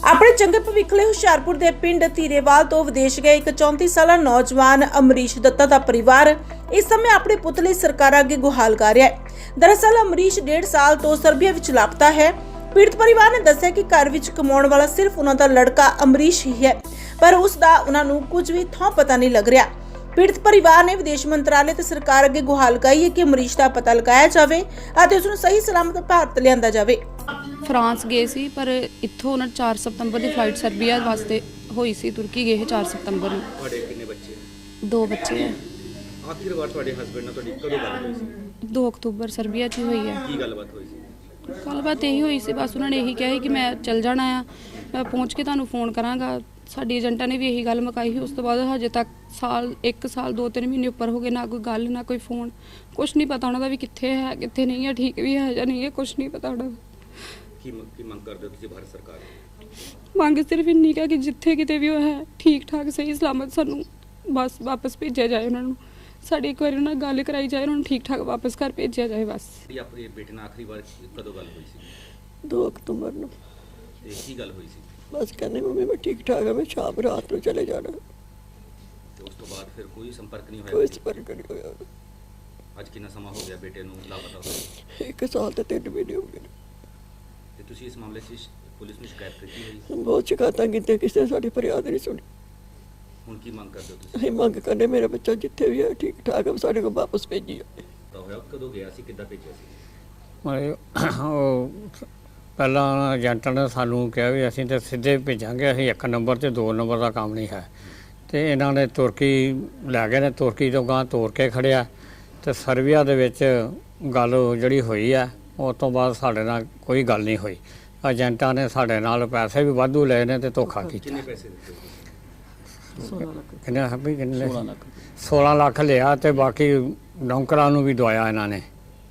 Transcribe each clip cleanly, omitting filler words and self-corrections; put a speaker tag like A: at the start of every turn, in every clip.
A: ਆਪਣੇ ਚੰਗੇ ਭਵਿੱਖ ਲਈ ਹੁਸ਼ਿਆਰਪੁਰ ਦੇ ਪਿੰਡ ਧੀਰੇਵਾਲ ਤੋਂ ਵਿਦੇਸ਼ ਗਏ ਇੱਕ 34 ਸਾਲਾ ਨੌਜਵਾਨ ਅਮਰੀਸ਼ ਦੱਤਾ ਦਾ ਪਰਿਵਾਰ ਇਸ ਸਮੇਂ ਆਪਣੇ ਪੁੱਤ ਲਈ ਸਰਕਾਰ ਅੱਗੇ ਗੁਹਾਰ ਕਰ ਰਿਹਾ ਹੈ। ਦਰਅਸਲ ਅਮਰੀਸ਼ 1.5 ਸਾਲ ਤੋਂ ਸਰਬੀਆ ਵਿੱਚ ਲਾਪਤਾ ਹੈ। ਪੀੜਤ ਪਰਿਵਾਰ ਨੇ ਦੱਸਿਆ ਕਿ ਘਰ ਵਿੱਚ ਕਮਾਉਣ ਵਾਲਾ ਸਿਰਫ ਉਹਨਾਂ ਦਾ ਲੜਕਾ ਅਮਰੀਸ਼ ਹੀ ਹੈ, ਪਰ ਉਸ ਦਾ ਉਹਨਾਂ ਨੂੰ ਕੁਝ ਵੀ ਥਾਂ ਪਤਾ ਨਹੀਂ ਲੱਗ ਰਿਹਾ। ਪੀੜਤ ਪਰਿਵਾਰ ਨੇ ਵਿਦੇਸ਼ ਮੰਤਰਾਲੇ ਤੇ ਸਰਕਾਰ ਅੱਗੇ ਗੁਹਾਰ ਲਗਾਈ ਹੈ ਕਿ ਅਮਰੀਸ਼ ਦਾ ਪਤਾ ਲਗਾਇਆ ਜਾਵੇ ਅਤੇ ਉਸ ਨੂੰ ਸਹੀ ਸਲਾਮਤ ਭਾਰਤ ਲਿਆਂਦਾ ਜਾਵੇ।
B: ਫਰਾਂਸ ਗਏ ਸੀ, ਪਰ ਇੱਥੋਂ ਉਹਨਾਂ 4 ਸਤੰਬਰ ਦੀ ਫਲਾਈਟ ਸਰਬੀਆ ਵਾਸਤੇ ਹੋਈ ਸੀ। ਤੁਰਕੀ ਗਏ 4 ਸਤੰਬਰ ਨੂੰ।
C: ਤੁਹਾਡੇ ਕਿੰਨੇ ਬੱਚੇ?
B: 2 ਬੱਚੇ ਹੈ।
C: ਆਖਿਰ ਵਾਰ ਤੁਹਾਡੇ ਹਸਬੰਡ ਨਾਲ ਤੁਹਾਡੀ ਕਦੋਂ ਗੱਲ ਹੋਈ ਸੀ?
B: 2 ਅਕਤੂਬਰ ਸਰਬੀਆ 'ਚ ਹੀ ਹੋਈ ਹੈ।
C: ਕੀ ਗੱਲਬਾਤ ਹੋਈ ਸੀ?
B: ਗੱਲਬਾਤ ਇਹੀ ਹੋਈ ਸੀ, ਬਸ ਉਹਨਾਂ ਨੇ ਇਹੀ ਕਿਹਾ ਸੀ ਕਿ ਮੈਂ ਚੱਲ ਜਾਣਾ ਆ, ਮੈਂ ਪਹੁੰਚ ਕੇ ਤੁਹਾਨੂੰ ਫੋਨ ਕਰਾਂਗਾ। ਸਾਡੀ ਏਜੰਟਾਂ ਨੇ ਵੀ ਇਹੀ ਗੱਲ ਮੁਕਾਈ ਸੀ। ਉਸ ਤੋਂ ਬਾਅਦ ਹਜੇ ਤੱਕ 1 ਸਾਲ 2-3 ਮਹੀਨੇ ਉੱਪਰ ਹੋ ਗਏ, ਨਾ ਕੋਈ ਗੱਲ ਨਾ ਕੋਈ ਫੋਨ, ਕੁਛ ਨਹੀਂ ਪਤਾ ਉਹਨਾਂ ਦਾ ਵੀ ਕਿੱਥੇ ਹੈ ਕਿੱਥੇ ਨਹੀਂ ਹੈ, ਠੀਕ ਵੀ ਹੈ ਜਾਂ ਨਹੀਂ ਹੈ, ਕੁਛ ਨਹੀਂ ਪਤਾ ਉਹਨਾਂ ਦਾ।
C: ਕੀ ਮੰਗ ਕਰਦੇ ਹੋ ਤੁਸੀਂ ਭਾਰਤ ਸਰਕਾਰ ਤੋਂ?
B: ਮੰਗ ਸਿਰਫ ਇੰਨੀ ਕਿ ਜਿੱਥੇ ਕਿਤੇ ਵੀ ਉਹ ਹੈ ਠੀਕ ਠਾਕ ਸਹੀ ਸਲਾਮਤ ਸਾਨੂੰ ਬਸ ਵਾਪਸ ਭੇਜਿਆ ਜਾਏ। ਉਹਨਾਂ ਨੂੰ ਸਾਡੀ ਇੱਕ ਵਾਰੀ ਉਹਨਾਂ ਨਾਲ ਗੱਲ ਕਰਾਈ ਜਾਏ, ਉਹਨਾਂ ਨੂੰ ਠੀਕ ਠਾਕ ਵਾਪਸ ਘਰ ਭੇਜਿਆ ਜਾਏ ਬਸ।
C: ਆਪਣੇ ਬੇਟੇ ਨਾਲ ਆਖਰੀ ਵਾਰ ਕਦੋਂ ਗੱਲ ਹੋਈ ਸੀ?
D: 2 ਅਕਤੂਬਰ ਨੂੰ।
C: ਤੇ ਕੀ ਗੱਲ ਹੋਈ ਸੀ?
D: ਬਸ ਕਹਿੰਦੇ ਮੰਮੀ ਮੈਂ ਠੀਕ ਠਾਕ ਹਾਂ, ਮੈਂ ਸ਼ਾਮ ਰਾਤ ਨੂੰ ਚਲੇ ਜਾਣਾ।
C: ਤੇ ਉਸ ਤੋਂ ਬਾਅਦ ਫਿਰ ਕੋਈ ਸੰਪਰਕ ਨਹੀਂ
D: ਕੋਈ
C: ਹੋਇਆ?
D: ਸੰਪਰਕ ਨਹੀਂ ਹੋਇਆ।
C: ਅੱਜ ਕਿੰਨਾ ਸਮਾਂ ਹੋ ਗਿਆ ਬੇਟੇ ਨੂੰ ਲਾਪਤਾ ਹੋਏ?
D: 1 ਸਾਲ ਤੇ 3 ਮਹੀਨੇ ਹੋ ਗਏ।
C: ਤੇ ਤੁਸੀਂ ਇਸ ਮਾਮਲੇ 'ਚ ਪੁਲਿਸ ਨੂੰ ਸ਼ਿਕਾਇਤ ਕੀਤੀ ਹੋਈ?
D: ਬਹੁਤ ਸ਼ਿਕਾਇਤਾਂ ਕੀਤੀਆਂ, ਕਿਸੇ ਨੇ ਸਾਡੀ ਫਰਿਆਦ ਨਹੀਂ ਸੁਣੀ।
C: ਹੁਣ ਕੀ ਮੰਗ ਕਰਦੇ ਹੋ ਤੁਸੀਂ?
D: ਅਸੀਂ ਮੰਗ ਕਰਨੇ ਮੇਰਾ ਬੱਚਾ ਜਿੱਥੇ ਵੀ ਹੈ ਠੀਕ ਠਾਕ ਹੈ, ਸਾਡੇ ਕੋਲ ਵਾਪਸ ਭੇਜੀ ਜਾਏ।
C: ਤਾਂ ਹੋਇਆ ਕਦੋਂ ਗਿਆ ਸੀ, ਕਿੱਦਾਂ ਭੇਜਿਆ ਸੀ?
E: ਉਹ ਪਹਿਲਾਂ ਏਜੰਟਾਂ ਨੇ ਸਾਨੂੰ ਕਿਹਾ ਵੀ ਅਸੀਂ ਤਾਂ ਸਿੱਧੇ ਭੇਜਾਂਗੇ, ਅਸੀਂ 1 ਨੰਬਰ 'ਤੇ 2 ਨੰਬਰ ਦਾ ਕੰਮ ਨਹੀਂ ਹੈ। ਤੇ ਇਹਨਾਂ ਨੇ ਤੁਰਕੀ ਲੈ ਗਏ ਨੇ, ਤੁਰਕੀ ਤੋਂ ਗਾਂ ਤੋਰ ਕੇ ਖੜਿਆ ਤੇ ਸਰਬੀਆ ਦੇ ਵਿੱਚ ਗੱਲ ਜਿਹੜੀ ਹੋਈ ਹੈ ਉਸ ਤੋਂ ਬਾਅਦ ਸਾਡੇ ਨਾਲ ਕੋਈ ਗੱਲ ਨਹੀਂ ਹੋਈ। ਏਜੰਟਾਂ ਨੇ ਸਾਡੇ ਨਾਲ ਪੈਸੇ ਵੀ ਵਾਧੂ ਲਏ ਨੇ ਤੇ ਧੋਖਾ ਕੀਤਾ।
C: ਕਿੰਨੇ ਪੈਸੇ ਦਿੱਤੇ?
E: ਕਿੰਨੇ 16 ਲੱਖ ਲਿਆ ਤੇ ਬਾਕੀ ਨੌਕਰਾਂ ਨੂੰ ਵੀ ਦਵਾਇਆ ਇਹਨਾਂ ਨੇ।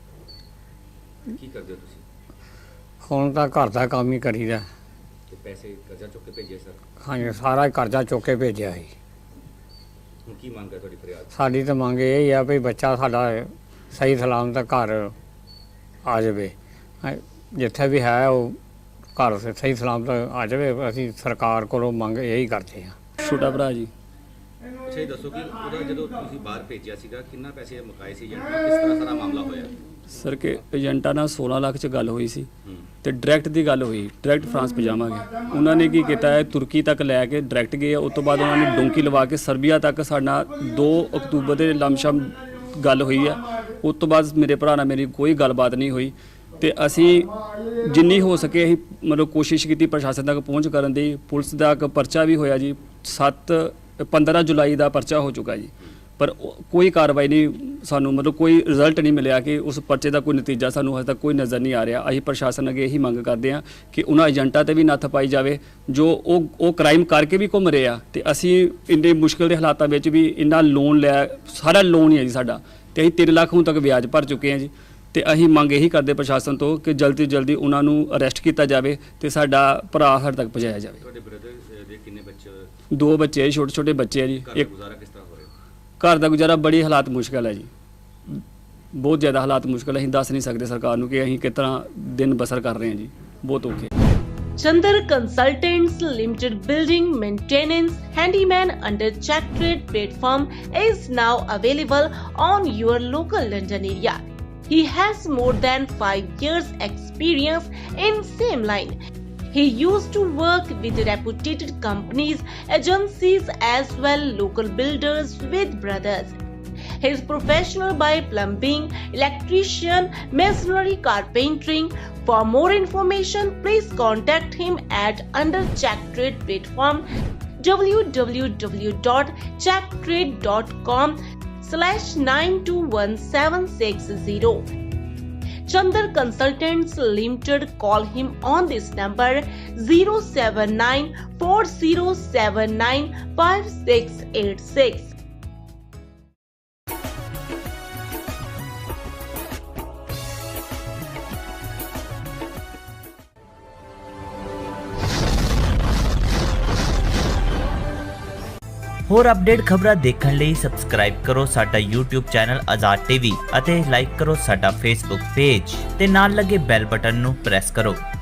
C: ਕੀ ਕਰਦੇ ਹੋ ਤੁਸੀਂ?
E: ਹੁਣ ਤਾਂ ਘਰ ਦਾ ਕੰਮ ਹੀ ਕਰੀਦਾ।
C: ਤੇ ਪੈਸੇ ਕਰਜ਼ਾ ਚੁੱਕ ਕੇ ਭੇਜੇ ਸਰ?
E: ਹਾਂਜੀ, ਸਾਰਾ ਹੀ ਕਰਜ਼ਾ ਚੁੱਕ ਕੇ ਭੇਜਿਆ ਸੀ।
C: ਹੁਣ ਕੀ ਮੰਗ ਹੈ ਤੁਹਾਡੀ ਫਰਿਆਦ?
E: ਸਾਡੀ ਤਾਂ ਮੰਗ ਇਹ ਹੀ ਆ ਵੀ ਬੱਚਾ ਸਾਡਾ ਸਹੀ ਸਲਾਮਤ ਘਰ ਆ ਜਾਵੇ, ਜਿੱਥੇ ਵੀ ਹੈ ਉਹ ਘਰ ਸਹੀ ਸਲਾਮਤ ਆ ਜਾਵੇ। ਅਸੀਂ ਸਰਕਾਰ ਕੋਲੋਂ ਮੰਗ ਇਹੀ ਕਰਦੇ ਹਾਂ।
F: ਛੋਟਾ ਭਰਾ ਜੀ।
C: ਅੱਛਾ, ਇਹ ਦੱਸੋ ਕਿ ਉਹਦਾ ਜਦੋਂ ਤੁਸੀਂ ਬਾਹਰ ਭੇਜਿਆ ਸੀਗਾ ਕਿੰਨਾ ਪੈਸੇ ਮੁਕਾਏ ਸੀ ਏਜੰਟ ਨਾਲ, ਕਿਸ ਤਰ੍ਹਾਂ ਸਾਰਾ ਮਾਮਲਾ ਹੋਇਆ?
F: ਸਰ ਕਿ ਏਜੰਟਾਂ ਨਾਲ 16 ਲੱਖ 'ਚ ਗੱਲ ਹੋਈ ਸੀ
C: ਹੂੰ।
F: ਤੇ ਡਾਇਰੈਕਟ ਦੀ ਗੱਲ ਹੋਈ, ਡਾਇਰੈਕਟ ਫਰਾਂਸ ਪਜਾਵਾਂਗੇ। ਉਹਨਾਂ ਨੇ ਕੀ ਕੀਤਾ ਹੈ, ਤੁਰਕੀ ਤੱਕ ਲੈ ਕੇ ਡਾਇਰੈਕਟ ਗਏ। ਉਸ ਤੋਂ ਬਾਅਦ ਉਹਨਾਂ ਨੇ ਡੋਂਕੀ ਲਵਾ ਕੇ ਸਰਬੀਆ ਤੱਕ ਸਾਡਾ 2 ਅਕਤੂਬਰ ਦੇ ਲਮਸ਼ਮ ਗੱਲ ਹੋਈ ਆ। ਉਸ ਤੋਂ ਬਾਅਦ ਮੇਰੇ ਭਰਾ ਨਾਲ ਮੇਰੀ ਕੋਈ ਗੱਲਬਾਤ ਨਹੀਂ ਹੋਈ ਤੇ ਅਸੀਂ ਜਿੰਨੀ ਹੋ ਸਕੇ ਅਸੀਂ ਮਤਲਬ ਕੋਸ਼ਿਸ਼ ਕੀਤੀ ਪ੍ਰਸ਼ਾਸਨ ਤੱਕ ਪਹੁੰਚ ਕਰਨ ਦੀ। ਪੁਲਿਸ ਦਾ ਇੱਕ ਪਰਚਾ ਵੀ ਹੋਇਆ ਜੀ, 15 ਜੁਲਾਈ ਦਾ ਪਰਚਾ ਹੋ ਚੁੱਕਾ ਜੀ, ਪਰ ਕੋਈ ਕਾਰਵਾਈ ਨਹੀਂ, ਸਾਨੂੰ ਮਤਲਬ ਕੋਈ ਰਿਜ਼ਲਟ ਨਹੀਂ ਮਿਲਿਆ ਕਿ ਉਸ ਪਰਚੇ ਦਾ ਕੋਈ ਨਤੀਜਾ ਸਾਨੂੰ ਹਜੇ ਤੱਕ ਕੋਈ ਨਜ਼ਰ ਨਹੀਂ ਆ ਰਿਹਾ। ਅਸੀਂ ਪ੍ਰਸ਼ਾਸਨ ਅੱਗੇ ਇਹੀ ਮੰਗ ਕਰਦੇ ਹਾਂ ਕਿ ਉਹਨਾਂ ਏਜੰਟਾਂ ਤੇ ਵੀ ਨੱਥ ਪਾਈ ਜਾਵੇ ਜੋ ਉਹ ਕ੍ਰਾਈਮ ਕਰਕੇ ਵੀ ਘੁੰਮ ਰਹੇ ਆ। ਤੇ ਅਸੀਂ ਇੰਨੇ ਮੁਸ਼ਕਿਲ ਦੇ ਹਾਲਾਤਾਂ ਵਿੱਚ ਵੀ ਇੰਨਾ ਲੋਨ ਲਿਆ, ਸਾਰਾ ਲੋਨ ਹੀ ਹੈ ਜੀ ਸਾਡਾ, ਤੇ ਅਸੀਂ 3 ਲੱਖ ਹੁਣ ਤੱਕ ਵਿਆਜ ਭਰ ਚੁੱਕੇ ਹਾਂ ਜੀ। ਤੇ ਅਸੀਂ ਮੰਗ ਇਹੀ ਕਰਦੇ ਪ੍ਰਸ਼ਾਸਨ ਤੋਂ ਕਿ ਜਲਦੀ ਤੋਂ ਜਲਦੀ ਉਹਨਾਂ ਨੂੰ ਅਰੈਸਟ ਕੀਤਾ ਜਾਵੇ ਤੇ ਸਾਡਾ ਭਰਾ ਹਰ ਤੱਕ ਪਹੁੰਚਾਇਆ ਜਾਵੇ।
C: ਤੁਹਾਡੇ ਬ੍ਰਦਰ ਦੇ ਕਿੰਨੇ ਬੱਚੇ?
F: 2 ਬੱਚੇ, ਛੋਟੇ ਛੋਟੇ ਬੱਚੇ ਆ ਜੀ।
C: ਘਰ ਦਾ ਗੁਜ਼ਾਰਾ ਕਿਸ ਤਰ੍ਹਾਂ ਹੋ ਰਿਹਾ?
F: ਘਰ ਦਾ ਗੁਜ਼ਾਰਾ ਬੜੀ ਹਾਲਾਤ ਮੁਸ਼ਕਲ ਹੈ ਜੀ, ਬਹੁਤ ਜ਼ਿਆਦਾ ਹਾਲਾਤ ਮੁਸ਼ਕਲ ਹੈ। ਅਸੀਂ ਦੱਸ ਨਹੀਂ ਸਕਦੇ ਸਰਕਾਰ ਨੂੰ ਕਿ ਅਸੀਂ ਕਿਸ ਤਰ੍ਹਾਂ ਦਿਨ ਬਸਰ ਕਰ ਰਹੇ ਹਾਂ ਜੀ, ਬਹੁਤ ਔਖੇ।
A: Chandar Consultants Limited Building Maintenance Handyman under Check Trade platform is now available on your local London area. He has more than 5 years experience in same line. He used to work with reputed companies, agencies as well local builders with brothers. He is professional by plumbing, electrician, masonry, carpentering. For more information, please contact him at under Check Trade platform www.checktrade.com/921760. Chandar Consultants Limited. Call him on this number 07940795686.
G: ਹੋਰ update ਖਬਰਾਂ ਦੇਖਣ ਲਈ subscribe ਕਰੋ ਸਾਡਾ YouTube channel Azad TV ਅਤੇ like ਕਰੋ ਸਾਡਾ Facebook page ਤੇ ਨਾਲ ਲੱਗੇ ਬੈਲ ਬਟਨ ਨੂੰ ਪ੍ਰੈਸ ਕਰੋ।